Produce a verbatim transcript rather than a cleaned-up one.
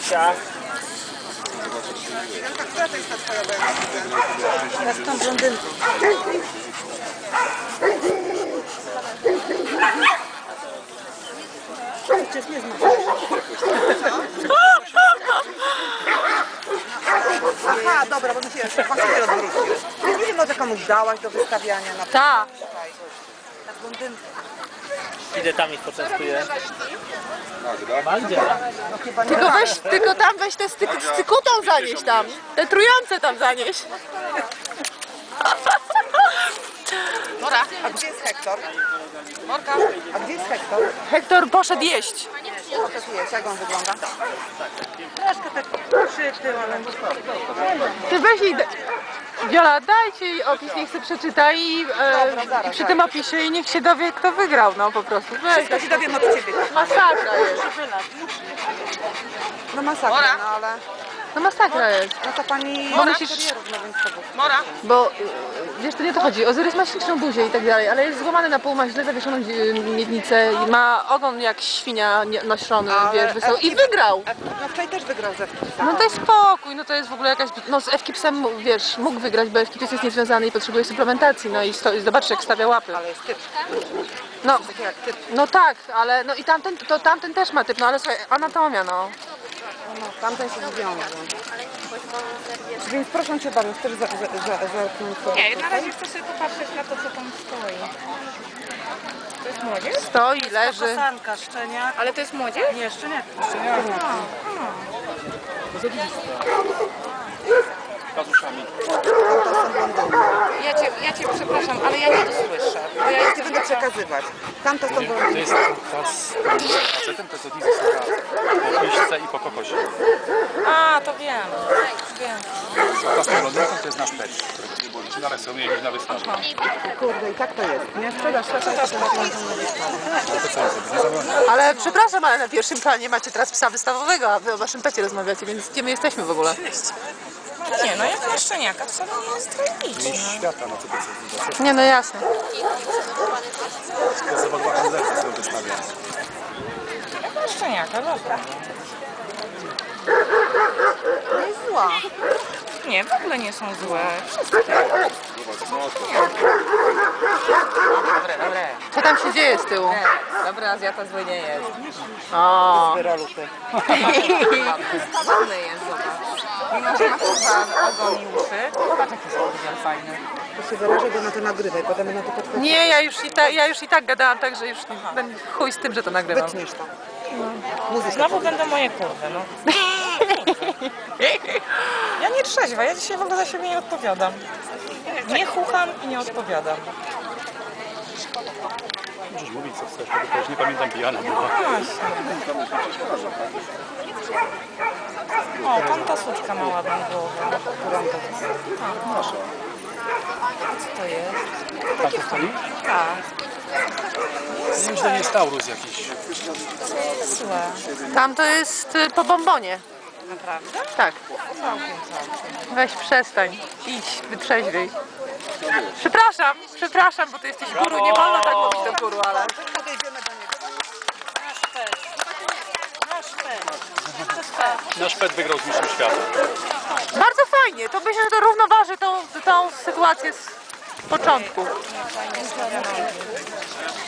Kasia. Ja z tą blondynką. Przecież nie znam. Aha, dobra, bo mi się właściwie odwrócił. Ja nie wiem, może komuś dałaś do wystawiania na Ta. Na blondynkę. Idę tam ich poczęstuję. Magdzie. No chyba nie. Tylko weź, tylko tam weź te styk, z cykutą zanieś tam. Te trujące tam zanieś. Mora. A gdzie jest Hektor? Morka. A gdzie jest Hektor? Hektor poszedł jeść. Poszedł jeść, jak on wygląda? Troszkę tak przytył, ale... Ty weź jej... Wiola, dajcie jej opis, niech sobie przeczyta i, e, i przy tym opisie i niech się dowie, kto wygrał, no po prostu. Weź. Wszystko się dowiem od ciebie. Masakra jest. No masakra, no ale... No masakra jest. No to pani... Bo musisz... Kurierów, no więc to było. Mora. Bo y, wiesz, to nie o to chodzi. Ozyrys ma śliczną buzię i tak dalej, ale jest złamany na pół, ma źle zawieszoną y, miednicę i ma ogon jak świnia nie- noszony, Ale wiesz, wysoko. I Ewki- wygrał. No wczoraj też wygrał ze wczoraj. No daj spokój, no to jest w ogóle jakaś... No z Ewkipsem, wiesz, mógł wygrać, bo Ewkips jest niezwiązany i potrzebuje suplementacji, no i, sto, i zobacz jak stawia łapy. Ale jest typ. No, Taki jak typ. no tak, ale no i tamten, to tamten też ma typ, no ale słuchaj, anatomia, no. No, tamten się związał. Więc proszę cię bardzo, chcesz za, za, za, zerknąć sobie Nie, na tutaj? razie chcę sobie popatrzeć na to, co tam stoi. To jest młodzież? Stoi, leży. Kosanka, szczeniak. Ale to jest młodzież? Nie, szczeniak. Ja cię, ja cię przepraszam, ale ja nie to słyszę. Bo ja Ja jestem ci będę przekazywać. Tamto są To blondynki. jest ta z facetem, to jest od Izy po piśce i po kokosie. A, to wiem. Wiem. A ta z tą blondynką to jest nasz pet, którego nie było liczy na rysownie i na wystawie. Kurde, i tak to jest. Nie sprzedaż, sprzedaż, sprzedaż. No to co jest, nie zabroni. Ale przepraszam, ale na pierwszym planie macie teraz psa wystawowego, a wy o waszym pecie rozmawiacie, więc gdzie my jesteśmy w ogóle? Nie, no jak na szczeniaka wcale nie jest tragicznie. Mistrz świata, no co to jest? Nie, no jasne. To jest zawodowa handlerka, co ją wystawia. Jak na szczeniaka, dobra. Nie jest zła. Nie, w ogóle nie są złe. Dobre, dobre. Co tam się dzieje z tyłu? Dobry Azjata zły nie jest. O, Wyrolupy. Ładny jest, zobacz. Mimo, że ma chyba ogon i uszy. Zobacz, jaki jest fajny. To się wyrażę, bo na to nagrywaj, potem na to podchodzę. nie, ja już i, ta, ja już i tak gadałam, także już będę chuj z tym, że to nagrywam. Wytniesz to. Muzyka. Znowu będą moje kurwy, no. Ja nie trzeźwa, ja dzisiaj w ogóle za siebie nie odpowiadam. Nie chucham i nie odpowiadam. Możesz mówić co chcesz, tylko już nie pamiętam, pijana była. O, tam ta suczka ma ładną głowę. Co to jest? Tam to stoi? Tak, Nie wiem, że to nie jest Taurus jakiś. złe. Tam to jest y, po bombonie. Naprawdę? Tak. Całkiem, całkiem. Weź przestań. Idź, wytrzeźwiej. Przepraszam, przepraszam, bo ty jesteś guru, nie wolno tak mówić do guru, ale... Podejdziemy do niego. Nasz pet wygrał z mistrzem świata. Bardzo fajnie, to myślę, że to równoważy tą, tą sytuację z początku. Fajnie stawiane.